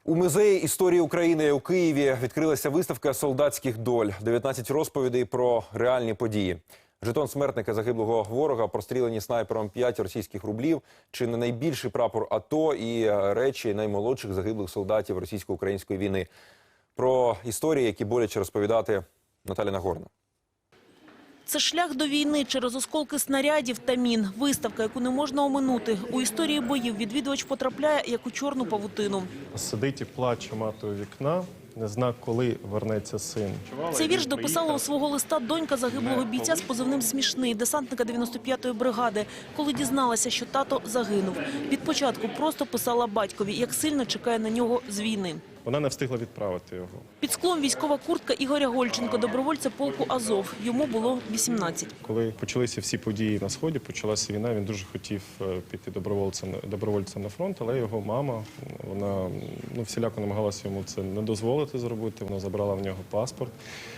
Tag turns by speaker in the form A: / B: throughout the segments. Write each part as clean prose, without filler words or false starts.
A: У Музеї історії України у Києві відкрилася виставка солдатських доль. 19 розповідей про реальні події. Жетон смертника загиблого ворога, прострілені снайпером 5 російських рублів, чи не найбільший прапор АТО і речі наймолодших загиблих солдатів російсько-української війни. Про історії, які боляче розповідати, Наталя Нагорна.
B: Це шлях до війни через осколки снарядів та мін. Виставка, яку не можна оминути. У історії боїв відвідувач потрапляє, як у чорну павутину.
C: Сидить і плаче мати у вікна, не зна, коли вернеться син.
B: Цей вірш дописала у свого листа донька загиблого бійця з позивним «Смішний», десантника 95-ї бригади, коли дізналася, що тато загинув. Від початку просто писала батькові, як сильно чекає на нього з війни.
C: Вона не встигла відправити його.
B: Під склом військова куртка Ігоря Гольченко, добровольця полку «Азов». Йому було 18.
C: Коли почалися всі події на Сході, почалася війна, він дуже хотів піти добровольцем на фронт, але його мама, вона всіляко намагалася йому це не дозволити зробити, вона забрала в нього паспорт.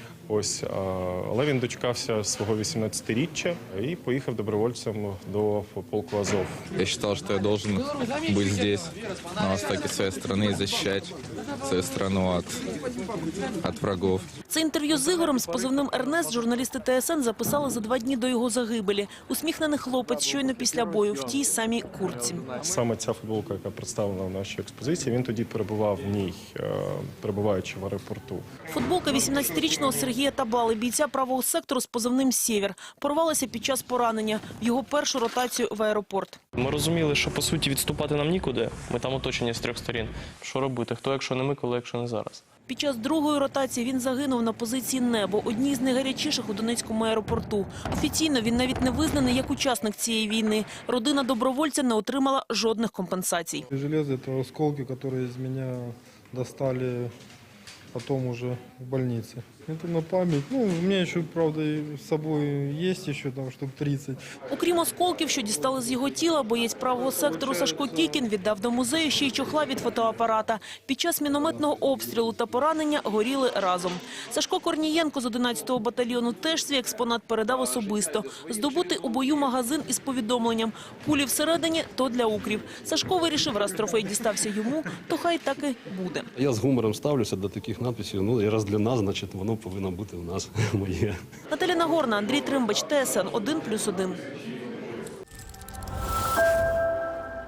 C: Але він дочекався свого 18-річчя і поїхав добровольцем до полку «Азов».
D: Я считал, что я должен быть здесь, на востоке своей страны, и защищать свою страну от врагов.
B: Це інтерв'ю з Ігорем з позивним «Ернест» журналісти ТСН записали за 2 дні до його загибелі. Усміхнений хлопець щойно після бою в тій самій куртці.
C: Саме ця футболка, яка представлена в нашій експозиції, він тоді перебував в ній, перебуваючи в аеропорту.
B: Футболка 18-річного Сергія Табали, бійця правого сектору з позивним «Сєвєр», порвалася під час поранення в його першу ротацію в аеропорт.
E: Ми розуміли, що, по суті, відступати нам нікуди. Ми там оточені з 3 сторін. Що робити? Хто, якщо не ми, коли, якщо не зараз?
B: Під час другої ротації він загинув на позиції «Небо», одній з найгарячіших у Донецькому аеропорту. Офіційно він навіть не визнаний як учасник цієї війни. Родина добровольця не отримала жодних компенсацій.
F: Железо – це осколки, які з мене достали потом уже в больнице. Это на память. У меня еще, правда, с собой есть еще там штук 30.
B: Окрім осколків, що дістали з його тіла, боєць правого сектору Сашко Кікін віддав до музею ще й чохла від фотоапарата. Під час мінометного обстрілу та поранення горіли разом. Сашко Корнієнко з 11-го батальйону теж свій експонат передав особисто. Здобутий у бою магазин із повідомленням «Кулі всередині – то для укрів». Сашко вирішив, раз трофей дістався йому, то хай так і буде.
G: Я з гумором ставлюся до таких надписів. І раз для нас, значить, воно повинно бути у нас моє.
B: Наталя Нагорна, Андрій Тримбач, ТСН 1+1.